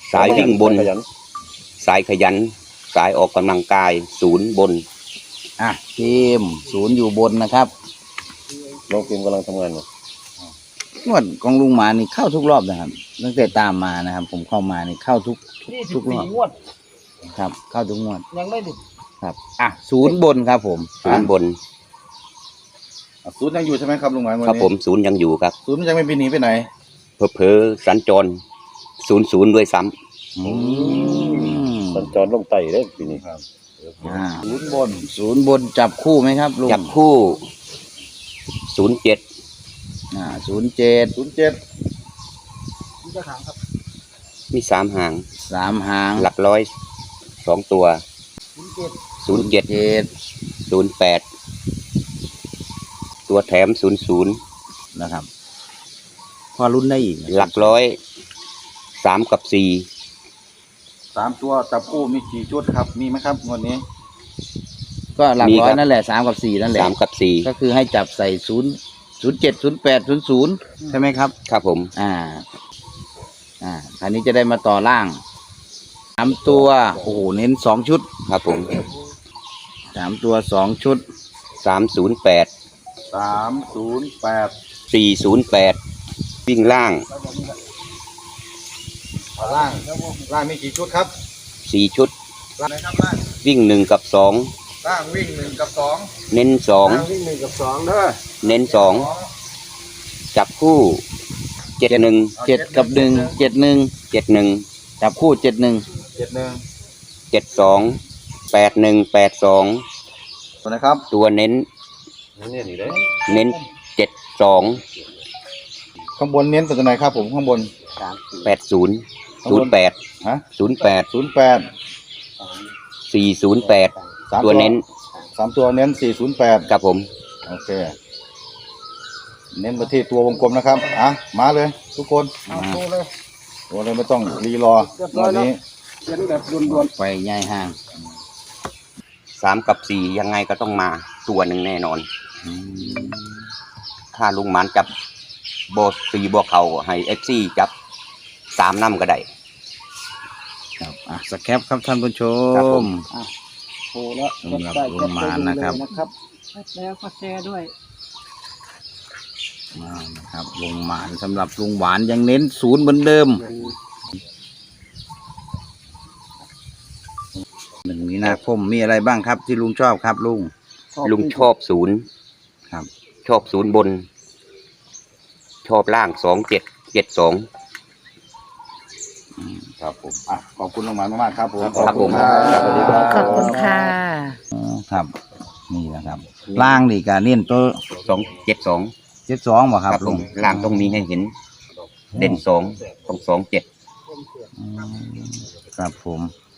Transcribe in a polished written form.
สายวิ่งบนสายขยันสายออกกำลังกายศูนย์บนทีมศูนย์อยู่บนนะครับน้องทีมกำลังทำงานอยู่งวดของลุงหมานี่เข้าทุกรอบนะครับตั้งแต่ตามมานะครับผมเข้ามานี่เข้าทุกรอบงวดครับเข้าทุกงวดยังไม่ถึงครับศูนย์บนครับผมศูนย์บนศูนย์ยังอยู่ใช่ไหมครับลุงหมายครับผมศูนย์ยังอยู่ครับศูนย์ยังไม่ไปหนีไปไหนเผลอสัญจรศูนย์ด้วยซ้ำสัญจรลงไต่ได้ปีนี้ครับศูนย์บนจับคู่ไหมครับลุงจับคู่07 07 มี3 หางหลักร้อย2 ตัว07 08ตัวแถม00 นะครับพอรุ่นได้อีกหลักร้อย3 กับ 4 3 ตัวจับคู่มีกี่ชุดครับมีไหมครับงวดนี้ก็หลักร้อยนั่นแหละ3 กับ 4นั่นแหละ 3 กับ 4 ก็คือให้จับใส่07 08 00ใช่ไหมครับครับผมอันนี้จะได้มาต่อล่าง3 ตัวโอ้โหเน้น2 ชุดครับผม 3 ตัว2 ชุด 308 408วิ่งล่างมีกี่ชุดครับ 4 ชุดวิ่ง1 กับ 2 ล่างวิ่ง1 กับ 2 เน้น2 วิ่ง1 กับ 2เด้อเน้น2จับคู่71 7 กับ 1 71จับคู่71 72 81 82 ตัวนะครับตัวเน้น72 ข้างบนเน้นตัวไหนครับผมข้างบน 80 08 408ตัวเน้น 3 ตัวเน้น408 ครับผมโอเคเน้นมาที่ตัววงกลมนะครับมาเลยทุกคนตัวเลยไม่ต้องรีรอวันนี้เขียนแบบด่วนๆไปใหญ่ห่าง 3 กับ 4ยังไงก็ต้องมาตัวหนึ่งแน่นอนถ้าลุงหมานจับโบ4 บวกเขาให้ FC จับ3 นำก็ได้ครับสแคปครับท่านผู้ชมโอ้แล้วสำหรับลุงหมานนะครับแล้วก็แชร์ด้วยนะครับลุงหมานสำหรับลุงหวานยังเน้น0เหมือนเดิม1 มีนาคมมีอะไรบ้างครับที่ลุงชอบครับลุงชอบ0 ครับชอบ0บนชอบล่าง2772 ครับผมขอบคุณลุงหมานมากๆครับผมครับผมขอบคุณค่ะครับนี่นะครับล่างนี่การเน้นตัว 72 บ่ครับลุงล่างต้องมีให้เห็นเด่น2ต้อง27 ครับผม